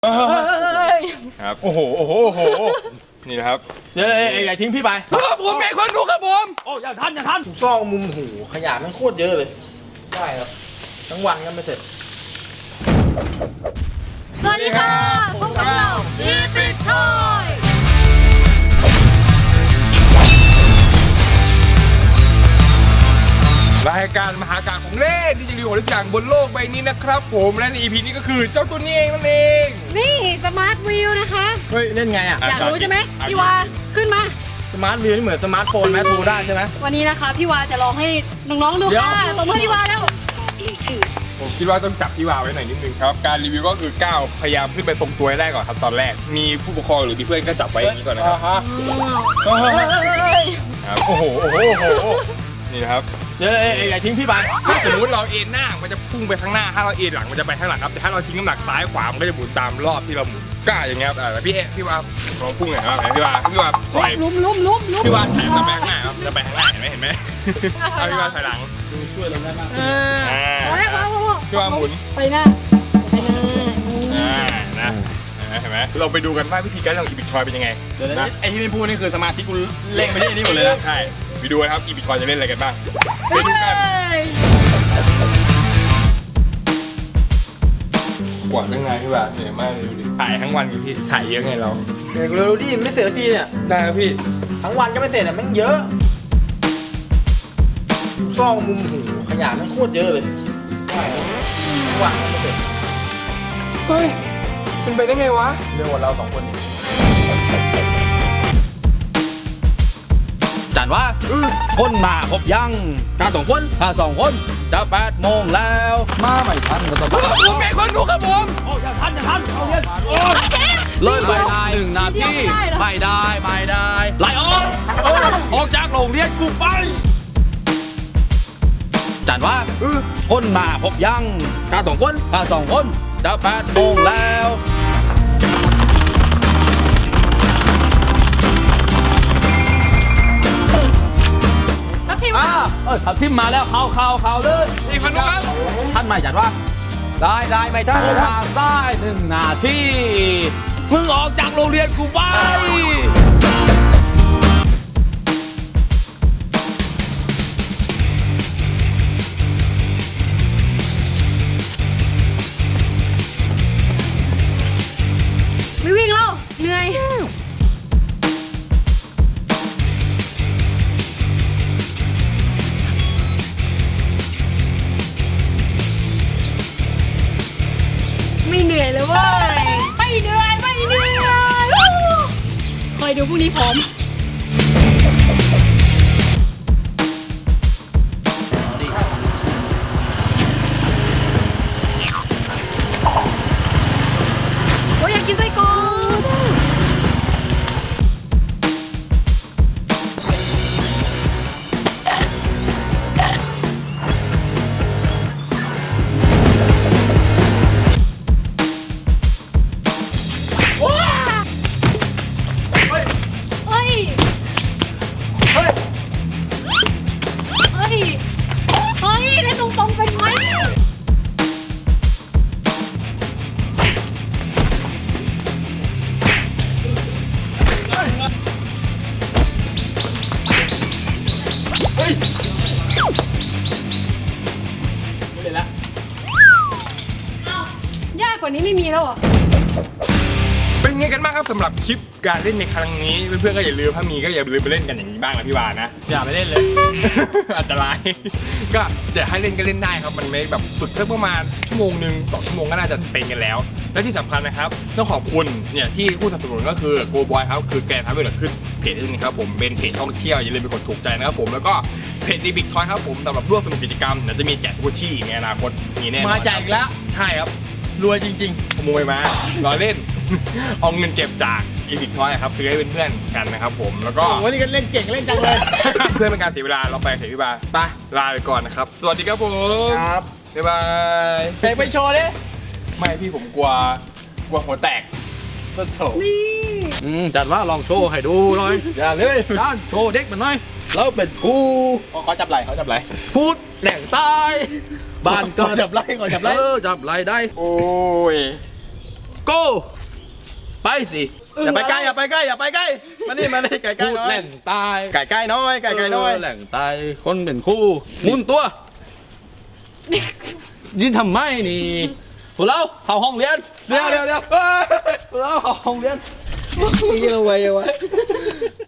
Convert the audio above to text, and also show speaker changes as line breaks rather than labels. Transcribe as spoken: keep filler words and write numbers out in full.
ครับโอ้โหโอ้โหโอ้โหนี่นะครับเดี๋ยวอย่าทิ้งพี่ไปครับผมเมฆคนดูครับผมโอ้อย่าทันอย่าทันถูกต้องมุมหูขยะมันโคตรเยอะเลยได้ครับทั้งวันก็ไม่เสร็จ
สวัสดีค่ะพบกับเราอีพิททอย
รายการมหากาพย์ของเล่นที่จะมีของทุกอย่างบนโลกใบนี้นะครับผมและใน อี พี นี้ก็คือเจ้าตัวนี้เองนั่นเอง
นี่สมาร์ทวิวนะคะ
เฮ้ยเล่นไงอ่ะ
อยากรู้ใช่ไหมพี่วาขึ้นมา
สมาร์ทวิวนี่เหมือนสมาร์ทโฟนไหมโทรได้ใช่ไหม
วันนี้นะคะพี่วาจะลองให้น้องๆดูค่ะตบมือพี่วาแล้ว
ผมคิดว่าต้องจับพี่วาไว้หน่อยนิดนึงครับการรีวิวก็คือก้าวพยายามขึ้นไปตรงตัวแรกก่อนครับตอนแรกมีผู้ปกครองหรือมีเพื่อนก็จับไว้อย่างนี้ก่อนนะครับครับโอ้โหโอ้โหโอ้โหนี่นะครับเดี๋ยวอย่าทิ้งพี่ไปถ้าสมมติเราเอ็นหน้ามันจะพุ่งไปข้างหน้าถ้าเราเอ็นหลังมันจะไปข้างหลังครับแต่ถ้าเราทิ้งน้ำหนักซ้ายขวามันก็จะหมุนตามรอบที่เราหมุนกล้าอย่างเงี้ยครับพี่เอ๊พี่วาลองพุ่งหน่อยครับพี่วาพี่วาถอย
ลุ้มลุ้มลุ้มลุ้ม
พี่วาถ่ายมาแบงหน้าครับจะไปข้างหน้าเห็นไหมเห็นไหมเอาพี่วาถอยหลังช่วยเราได้มากพี่วาหมุน
ไปหน้าไปหน้า
อ่านะเห็นไหมเราไปดูกันว่าวิธีการของอีบิททอยเป็นยังไงนะไอที่ไม่พูดนี่คือสมาธิกูเล่งไปที่นี่หมดเลยนะใช่ไปดูนะครับอีบิททอยจะเล่นอะไรกันบ้างไปดูกันกวาดยังไงพี่บ่าเหนื่อยมากเลยดูดิถ่ายทั้งวันพี่ถ่ายเยอะไงเราเดี๋ยวเราดูดิไม่เสร็จทีเนี่ยได้ครับพี่ทั้งวันก็ไม่เสร็จอ่ะมันเยอะซ่องมุมหูขยะมันโคตรเยอะเลยได้ทั้งวันก็ไม่เสร็จเฮ้ยเป็นไปได้ไงวะเรื่องวันเราสองคนนี่
จันว่าคนมาพบยัง
ข้าสองคน
ข้าสองคนจะแปดโมงแล้วมาไม่ทันก็ต้อง
ผมเมฆคนดูครับผมโอ้อย่าทันอย่าทันเอาเย็น
เลิกไปได้หนึ่งนาทีไม่ได้ไม่ได้ไล่ออกออกจากโรงเรียนกูไปจันว่าคนมาพบยัง
ข้าสองคน
ข้าสองคนจะแปดโมงแล้วเออทับทิมมาแล้วเข้าเข้าเข้าเลย
อีกคนนึงครับ
ท่านไม่จัดว่าได้ได้ไม่ได้มาได้หนึ่งนาทีเพิ่งออกจากโรงเรียนกูไป
ไม่วิ่งแล้วเหนื่อยไม่เหนื่อยเลยเว้ยไม่เหนื่อยไม่เหนื่อยคอยดูพรุ่งนี้พร้อมโอ้ยอยากกินไส้กรอกกว่านี้ไม่มีแล้วอ่ะ
เป็นไงกันบ้างครับสำหรับคลิปการเล่นในครั้งนี้เพื่อนๆก็อย่าลืมถ้ามีก็อย่าลืมไปเล่นกันอย่างนี้บ้างนะพี่วานะอย่าไปเล่นเลย อันตรายก็จะให้เล่นก็เล่นได้ครับมันไม่แบบฝึกแค่ประมาณชั่วโมงหนึ่งต่อชั่วโมงก็น่าจะเป็นกันแล้วและที่สำคัญนะครับต้องขอบคุณเนี่ยที่ผู้สนับสนุนก็คือโกบอยครับคือแกทำให้เราขึ้นเพจนี้ครับผมเป็นเพจท่องเที่ยวอย่าลืมไปกดถูกใจนะครับผมแล้วก็เพจอีบิททอยครับผมสำหรับร่วมสนุกกิจกรรมเดี๋ยวจะมีแจกกุชชี่ในอนาคตมีแน่นอน
มาแจกแล้ว
ใช่ครับรวยจริงๆขโมยมาล้อเล่น เอาเงินเก็บจากอีบิททอยครับซื้อให้เพื่อนๆกันนะครับผมแล้วก็
วันนี้ก็เล่นเก่งเล่นจังเลย
เพื่อเป็นการเสียเวลาเราไปเถอะพี่บาไปลาไปก่อนนะครับสวัสดีครับผมครับบ๊ายบาย
เตะไปโชว์ดิ
ไม่พี่ผมกลัวกลัวหัวแตกก็โชว์
นี่
อืมจัดว่าลองโชว์ให้ดูหน่อย
อย่าเลย
ด้านโชว์เด็กมันหน่อยแล้วเป็นครู
เขาจับไหล่เขาจับไหล่
พูดแหล่งใต้บ้านเกิด
จับไหล่เขาจับไหล่
เออจับไหล่ได้
โอ้ย
go ไปสิ
อย่าไปใกล้อย่าไปใกล้อย่าไปใกล้มานี่มานี่ไก่ใกล้
พูด
น้อย
แหล่งตาย
ไก่ใกล้น้อยไก่ใกล้น้อย
เแหล่งตายคนเป็นคู่หมุนตัวยินทำไมนี่พวกเราเข้าห้องเรียน
เดี๋ยวเดี๋ยวเดี๋ยว
พวกเราเข้าห้องเรียน
เยี่ยมไว้เยี่ยมไว้